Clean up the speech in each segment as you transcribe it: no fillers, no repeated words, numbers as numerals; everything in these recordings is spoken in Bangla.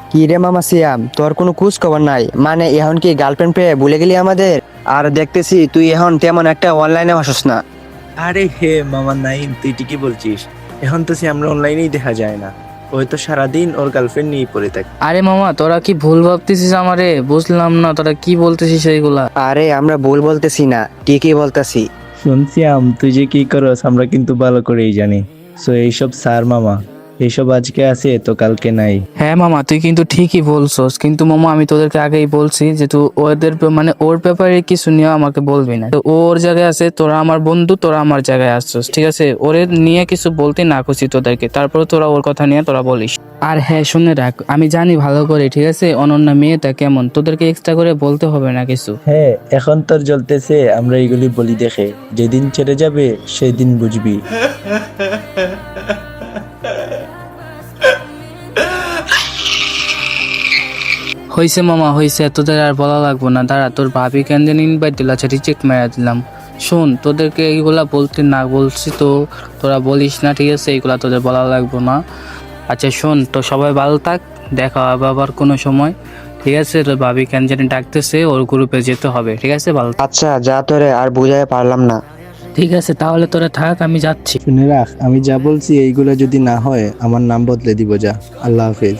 কি রে মামা সিয়াম, তোর কোনো খোঁজ খবর নাই? মানে এখন কি গার্লফ্রেন্ড পেয়ে ভুলে গেলি আমাদের? আর দেখতেছি তুই এখন তেমন একটা অনলাইনে আসস না। আরে হে মামা নাইন, তুই ঠিকই বলছিস। এখন তো সে আমরা অনলাইনেই দেখা যায় না। ওই তো সারাদিন ওর গার্লফ্রেন্ড নিয়ে পড়ে থাকে। আরে মামা, তোরা কি ভুল ভাবতেছিস আমারে? বুঝলাম না তোরা কি বলতেছিস এইগুলা। আরে আমরা ভুল বলতেছি না, ঠিকই বলতেছি। শুনছি তুই যে কি করস আমরা কিন্তু ভালো করেই জানি। সো এইসব স্যার মামা, এইসব আজকে আছে তো কালকে নাই। হ্যাঁ মামা, তুই কিন্তু ঠিকই বলছস, কিন্তু মামা আমি তোদেরকে আগেই বলছি যে তুই ওদের মানে ওর ব্যাপারে কিছু নিয়ে আমাকে বলবি না। তো ও ওর জায়গায় আছে, তোরা আমার বন্ধু, তোরা আমার জায়গায় আসছস, ঠিক আছে? ওরে নিয়ে কিছু বলতে না খুশি তোদেরকে, তারপরে তোরা ওর কথা নিয়ে তোরা বলিস। আর হ্যাঁ শুনে রাখ, আমি জানি ভালো করে, ঠিক আছে, অনন্যা মেয়েটা কেমন, তোদেরকে এক্সট্রা করে বলতে হবে না কিছু। হ্যাঁ, এখন তোর জ্বলতেছে আমরা এগুলি বলি দেখে, যেদিন ছেড়ে যাবে সেদিন বুঝবি। হইছে মামা হইছে, তোদের আর বলা লাগবো না। দাঁড়া, তোর ভাবি কেন যেন ইনভাইট দিল, আচ্ছা রিজেক্ট মেরে দিলাম। শোন, তোদেরকে এইগুলা বলতে না বলছি তো তোরা বলিস না, ঠিক আছে? এইগুলা তোদের বলা লাগবো না। আচ্ছা শোন, তো সবাই ভালো থাক, দেখা হবে আবার কোনো সময়, ঠিক আছে? তোর ভাবি কেন জানি ডাকতেছে, ওর গ্রুপে যেতে হবে, ঠিক আছে? ভালো থাক। আচ্ছা যা, তোরে আর বুঝাই পারলাম না। ঠিক আছে, তাহলে তোরা থাক, আমি যাচ্ছি। শুনে রাখ, আমি যা বলছি এইগুলো যদি না হয় আমার নাম বদলে দিব। যা, আল্লাহ হাফেজ।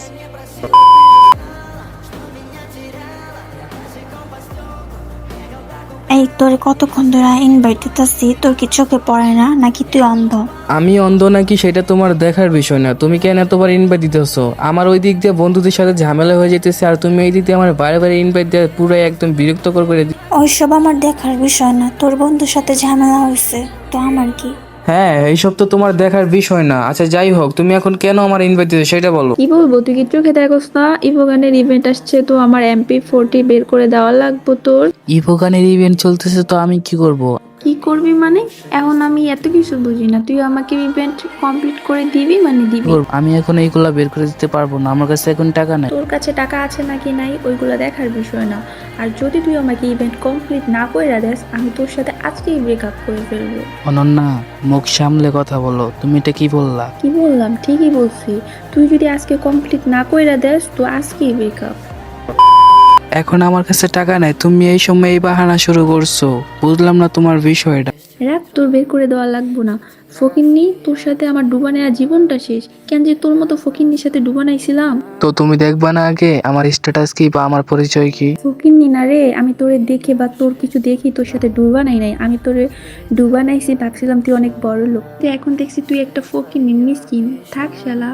এই তোরে কতক্ষণ ধরে ইনভাইট দিতেছি, তোর কি চোখে পড়ে না নাকি তুই অন্ধ? আমি অন্ধ নাকি সেটা তোমার দেখার বিষয় না। তুমি কেন এতবার ইনভাইট দিতেছো? আমার ওই দিক দিয়ে বন্ধুদের সাথে ঝামেলা হয়ে যেতেছে, আর তুমি এই দিক দিয়ে আমার বারে বারে ইনভাইট দিয়ে পুরো একদম বিরক্তকর করে ওইসব আমার দেখার বিষয় না, তোর বন্ধুর সাথে ঝামেলা হয়েছে তো আমার কি? হ্যাঁ, এইসব তো তোমার দেখার বিষয় না। আচ্ছা যাই হোক, তুমি এখন কেন আমার ইনভাইট দিতে সেটা বলো। কি বলবো, তুই কি চোখে দেখোস না ইভোগানের ইভেন্ট আসছে, তো আমার MP40 বের করে দেওয়া লাগবো তোর। ইভোগানের ইভেন্ট চলতেছে, তো আমি কি করব? কি করবি মানে? এখন আমি এত কিছু বুঝি না, তুই আমাকে ইভেন্ট কমপ্লিট করে দিবি মানে দিবি? আমি এখন এইগুলা বের করে দিতে পারবো না, আমার কাছে এখন টাকা নাই। তোর কাছে টাকা আছে নাকি নাই ওইগুলো দেখার বিষয় না। আর যদি তুই আমাকে ইভেন্ট কমপ্লিট না করে দেস, আমি তোর সাথে আজকেই ব্রেকআপ করে ফেলবো। অনন্যা, মুখ সামলে কথা বলো। তুমি এটা কি বললা? কি বললাম? ঠিকই বলছি। তুই যদি আজকে কমপ্লিট না করে দেস তো আজকেই ব্রেকআপ। এখন আমার কাছে টাকা নাই, তুমি এই সময় এই বাহানা শুরু করছো। বুঝলাম না তোমার বিষয়টা। রাখ, তোর বের করে দেওয়া লাগবো না। ফকিন্নি, তোর সাথে আমার ডুবানের জীবনটা শেষ। কেন যে তোর মতো ফকিন্নির সাথে ডুবানাইছিলাম? তো তুমি দেখবা না আগে আমার স্ট্যাটাস কি বা আমার পরিচয় কি? ফকিন্নি না রে, আমি তোরে দেখে বা তোর কিছু দেখি তোর সাথে ডুবানাই নাই। আমি তোরে ডুবানাইছি, ভাবছিলাম তুই অনেক বড় লোক, তুই এখন দেখছি তুই একটা ফকিন্নি মিসকিন। থাক শালা।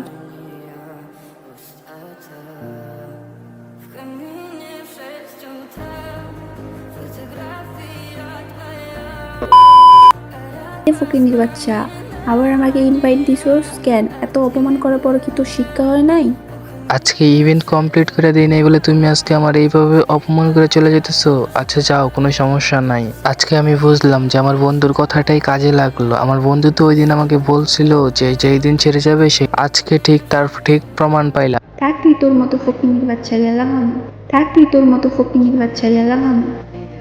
ফকিন্নির বাচ্চা, আবার আমাকে ইনভাইট দিছোস কেন? এত অপমান করার পর কি তোর শিক্ষা হয় নাই? আজকে ইভেন্ট কমপ্লিট করে দিই নাই বলে তুমি আজকে আমার এইভাবে অপমান করে চলে যেতেছো? আচ্ছা যাও, কোনো সমস্যা নাই। আজকে আমি বুঝলাম যে আমার বন্ধুর কথাটাই কাজে লাগলো। আমার বন্ধু তো ওই দিন আমাকে বলছিল যে যেই দিন ছেড়ে যাবে সে, আজকে ঠিক তার ঠিক প্রমাণ পাইলাম। থাক তুই তোর মতো ফকিন্নির বাচ্চা, গেলাম আমি। থাক তুই তোর মতো ফকিন্নির বাচ্চা, গেলাম আমি।